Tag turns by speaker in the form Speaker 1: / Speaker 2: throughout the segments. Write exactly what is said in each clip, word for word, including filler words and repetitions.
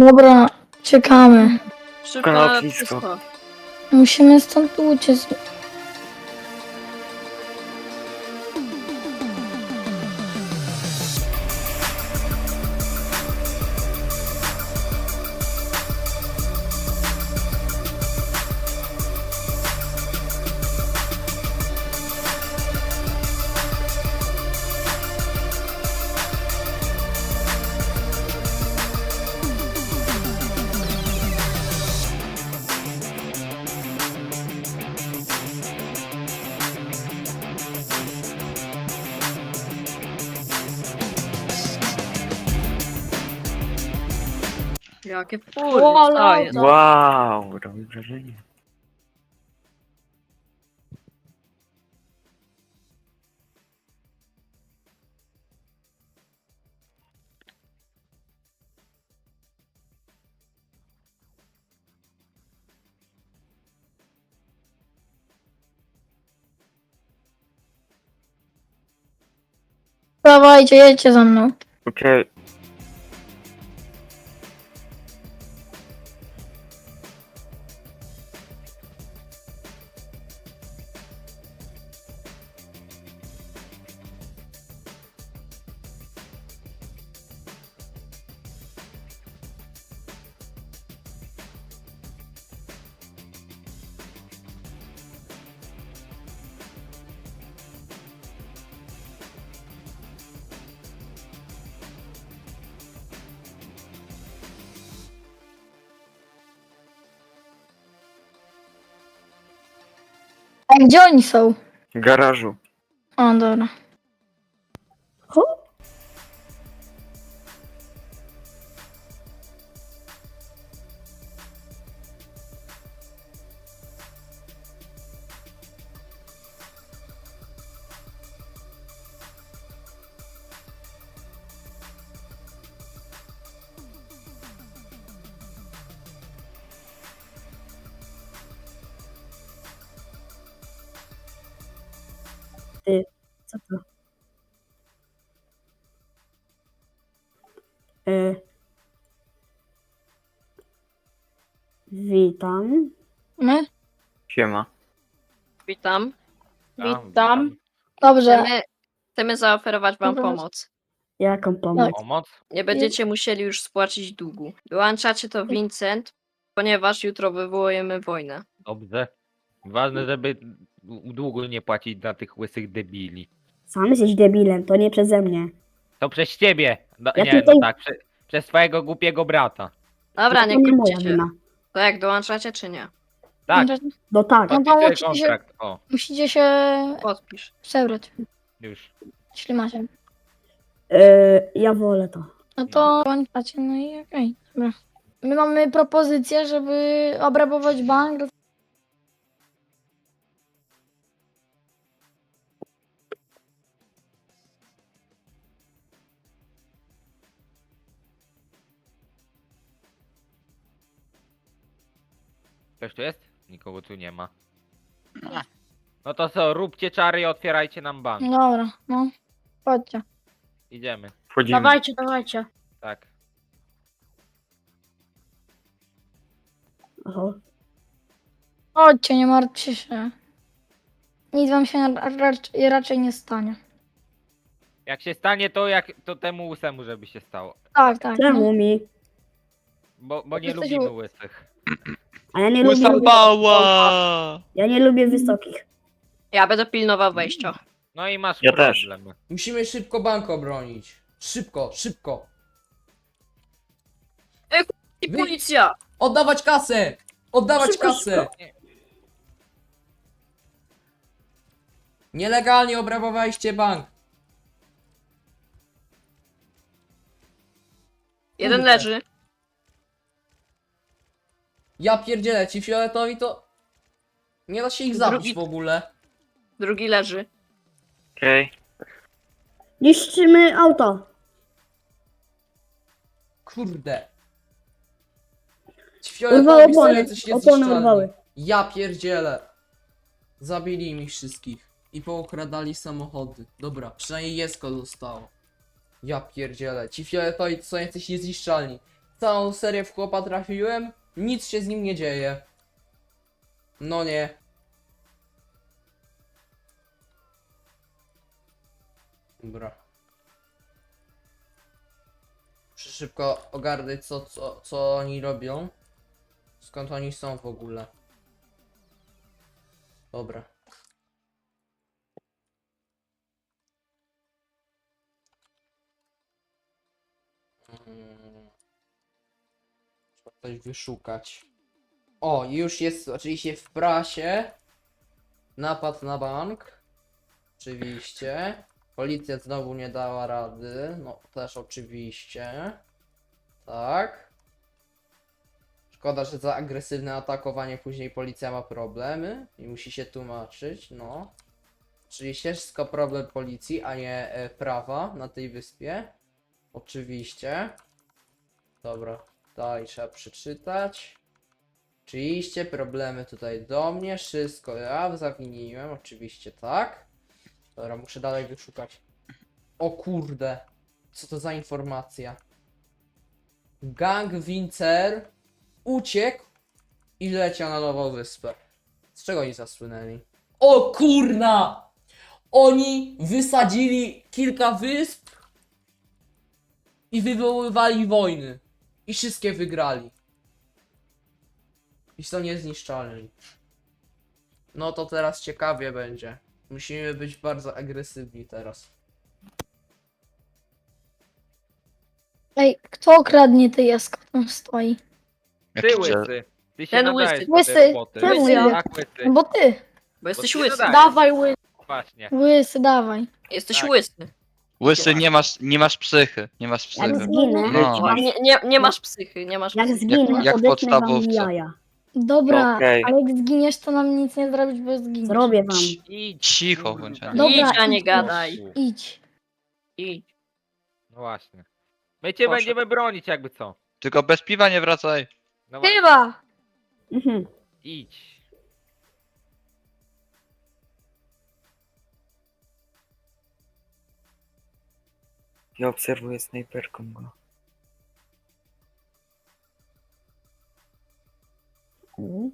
Speaker 1: Dobra, czekamy.
Speaker 2: Szybko
Speaker 3: Na
Speaker 2: na
Speaker 3: lotnisko.
Speaker 2: lotnisko.
Speaker 1: Musimy stąd uciec.
Speaker 2: Jakie fury,
Speaker 1: O, ale
Speaker 2: co jest?
Speaker 1: auto.
Speaker 3: Wow, robi wrażenie.
Speaker 1: Dawajcie, jedźcie za mną.
Speaker 3: Okej.
Speaker 1: A gdzie oni są?
Speaker 3: W garażu.
Speaker 1: O, dobra.
Speaker 4: Ty, co to? E, witam.
Speaker 1: My?
Speaker 3: Siema.
Speaker 2: Witam.
Speaker 1: Witam. Dobrze.
Speaker 2: Chcemy, chcemy zaoferować wam
Speaker 1: Dobra.
Speaker 2: pomoc.
Speaker 4: Jaką pomoc?
Speaker 1: Tak.
Speaker 5: Pomoc?
Speaker 2: Nie będziecie musieli już spłacić długu. Dołączacie to Vincent, ponieważ jutro wywołujemy wojnę.
Speaker 5: Dobrze. Ważne, żeby długo nie płacić dla tych łysych debili.
Speaker 4: Sam jesteś debilem, to nie przeze mnie.
Speaker 5: To przez ciebie. No,
Speaker 4: Ja
Speaker 5: nie,
Speaker 4: tutaj-
Speaker 5: no tak, prze, przez twojego głupiego brata.
Speaker 2: Dobra,
Speaker 4: to
Speaker 2: nie
Speaker 4: nie moja
Speaker 2: kłóćcie się.
Speaker 4: wina.
Speaker 2: To jak, dołączacie czy nie?
Speaker 5: Tak,
Speaker 4: No tak.
Speaker 1: No to
Speaker 5: podpisuję
Speaker 1: musicie,
Speaker 5: kontrakt. O,
Speaker 1: musicie się
Speaker 2: Podpisz.
Speaker 1: przebrać,
Speaker 5: już.
Speaker 1: jeśli macie.
Speaker 4: E, ja wolę to.
Speaker 1: No to pamiętacie, no i okej. Dobra. My mamy propozycję, żeby obrabować bank.
Speaker 5: Ktoś tu jest? Nikogo tu nie ma. No to co, róbcie czary i otwierajcie nam bank.
Speaker 1: Dobra, no. Chodźcie.
Speaker 5: Idziemy.
Speaker 3: Wchodzimy.
Speaker 1: Dawajcie, dawajcie.
Speaker 5: Tak.
Speaker 4: Oho.
Speaker 1: Chodźcie, nie martwcie się. Nic wam się raczej, raczej nie stanie.
Speaker 5: Jak się stanie to, jak to temu łysemu, żeby się stało.
Speaker 1: Tak, tak. No.
Speaker 4: Czemu mi?
Speaker 5: Bo, bo nie
Speaker 1: Jesteś
Speaker 5: lubimy
Speaker 1: ł-
Speaker 5: łysych.
Speaker 4: A ja nie lubię. Ja nie lubię wysokich.
Speaker 2: Ja będę pilnował wejścia.
Speaker 5: No i masz
Speaker 3: Ja też.
Speaker 5: problem.
Speaker 6: Musimy szybko bank obronić. Szybko, szybko.
Speaker 2: I
Speaker 6: Wy-
Speaker 2: policja!
Speaker 6: Oddawać kasę! Oddawać
Speaker 4: Szybko,
Speaker 6: kasę! Nielegalnie obrabowaliście bank.
Speaker 2: Jeden
Speaker 6: Kurde.
Speaker 2: leży,
Speaker 6: Ja pierdzielę, ci fioletowi to... Nie da się ich zabić
Speaker 2: Drugi-
Speaker 6: w ogóle.
Speaker 2: drugi leży.
Speaker 3: Okej.
Speaker 4: Niszczymy auto.
Speaker 6: Kurde. Ci
Speaker 4: Urwały
Speaker 6: fioletowi są
Speaker 4: opony.
Speaker 6: jacyś
Speaker 4: Opony
Speaker 6: niezniszczalni.
Speaker 4: urwały.
Speaker 6: Ja pierdzielę. Zabili im ich wszystkich. I pookradali samochody. Dobra, przynajmniej jesko zostało. Ja pierdzielę. Ci fioletowi to są jacyś niezniszczalni. całą serię w chłopa trafiłem, nic się z nim nie dzieje. No nie. Dobra. Muszę szybko ogarnąć co, co, co oni robią. Skąd oni są w ogóle. Dobra. Mm. Trzeba coś wyszukać. O, już jest oczywiście w prasie. Napad na bank. Oczywiście. Policja znowu nie dała rady. No, też oczywiście. Tak. Szkoda, że za agresywne atakowanie później policja ma problemy i musi się tłumaczyć, no. Oczywiście wszystko problem policji, a nie e, prawa na tej wyspie. Oczywiście. Dobra, dalej trzeba przeczytać. Oczywiście problemy tutaj do mnie, wszystko ja zawiniłem, oczywiście tak. Dobra, muszę dalej wyszukać. O kurde, co to za informacja? Gang Wincer uciekł i leciał na nową wyspę. Z czego oni zasłynęli? O kurna! Oni wysadzili kilka wysp i wywoływali wojny. I wszystkie wygrali. I są niezniszczalni. No to teraz ciekawie będzie. Musimy być bardzo agresywni teraz.
Speaker 1: Ej, kto okradnie tej jaskot tam stoi?
Speaker 5: Ty
Speaker 3: Jaki
Speaker 5: łysy. Ty się
Speaker 2: Ten
Speaker 5: nadajesz
Speaker 2: łysy.
Speaker 5: do tej
Speaker 1: Łysy,
Speaker 5: roboty.
Speaker 1: czemu
Speaker 2: ja?
Speaker 5: Tak, łysy.
Speaker 1: No bo ty.
Speaker 2: Bo jesteś
Speaker 5: ty
Speaker 2: łysy.
Speaker 5: dodajesz.
Speaker 1: Dawaj łysy.
Speaker 5: Właśnie.
Speaker 1: Łysy, dawaj.
Speaker 2: Jesteś
Speaker 5: Tak.
Speaker 2: łysy.
Speaker 7: Łysy, nie masz, nie masz psychy, nie masz
Speaker 4: Jak
Speaker 7: psychy.
Speaker 4: zginę,
Speaker 7: No.
Speaker 2: Nie, nie, nie masz psychy, nie masz
Speaker 4: jak
Speaker 2: psychy.
Speaker 4: zginę,
Speaker 7: jak
Speaker 4: odetnę wam
Speaker 7: podstawowca.
Speaker 4: jaja.
Speaker 1: Dobra,
Speaker 3: Okej.
Speaker 1: ale jak zginiesz, to nam nic nie zrobić, bo zginiesz.
Speaker 4: Zrobię wam.
Speaker 5: Idź.
Speaker 7: Cicho bądź. Ania.
Speaker 1: Dobra,
Speaker 2: Idź, a nie
Speaker 1: idź.
Speaker 2: gadaj.
Speaker 1: Idź.
Speaker 2: Idź.
Speaker 5: No właśnie. My cię
Speaker 2: Proszę.
Speaker 5: będziemy bronić jakby co.
Speaker 7: Tylko bez piwa nie wracaj.
Speaker 5: No właśnie.
Speaker 1: Chyba.
Speaker 4: Mhm.
Speaker 5: Idź.
Speaker 3: Ja obserwuję snajperką go.
Speaker 4: Mhm.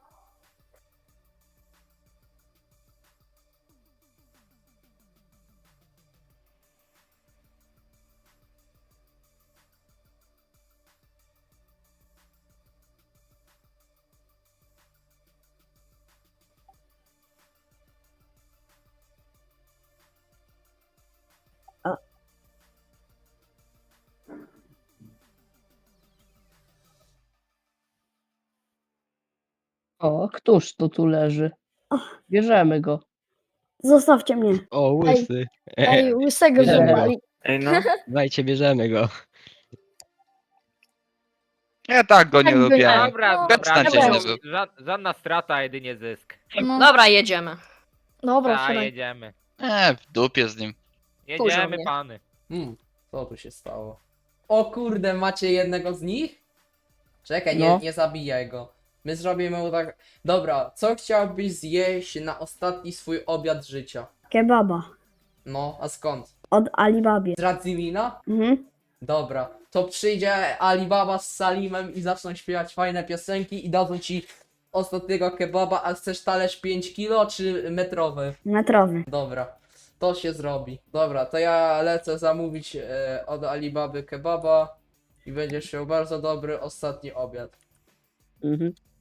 Speaker 8: O, któż to tu leży?
Speaker 4: Och.
Speaker 8: Bierzemy go.
Speaker 4: Zostawcie mnie.
Speaker 8: O,
Speaker 1: łysy. Ej, łysego
Speaker 8: Bierzemy go.
Speaker 1: złapali.
Speaker 3: Ej no,
Speaker 8: Dajcie, bierzemy go.
Speaker 7: Ja tak go nie
Speaker 1: Tak by-
Speaker 7: lubię.
Speaker 5: Dobra,
Speaker 1: No,
Speaker 5: dobra.
Speaker 7: Beczna
Speaker 5: no,
Speaker 7: cię
Speaker 5: ża żadna strata, jedynie zysk.
Speaker 1: No.
Speaker 2: Dobra, jedziemy.
Speaker 1: Dobra,
Speaker 5: Ta,
Speaker 1: wsiadaj.
Speaker 5: jedziemy.
Speaker 7: E, w dupie z nim.
Speaker 5: Jedziemy,
Speaker 2: mnie.
Speaker 5: pany.
Speaker 6: Hmm, co tu się stało? O kurde, macie jednego z nich? Czekaj, nie,
Speaker 8: No.
Speaker 6: nie zabijaj go. My zrobimy mu tak... Dobra, co chciałbyś zjeść na ostatni swój obiad życia?
Speaker 4: Kebaba.
Speaker 6: No, a skąd?
Speaker 4: Od Alibabie.
Speaker 6: Z Radzimina?
Speaker 4: Mhm.
Speaker 6: Dobra, to przyjdzie Alibaba z Salimem i zaczną śpiewać fajne piosenki i dadzą ci ostatniego kebaba, a chcesz talerz pięć kilo czy metrowy?
Speaker 4: Metrowy.
Speaker 6: Dobra, to się zrobi. Dobra, to ja lecę zamówić e, od Alibaby kebaba i będziesz miał bardzo dobry ostatni obiad.
Speaker 8: Mhm.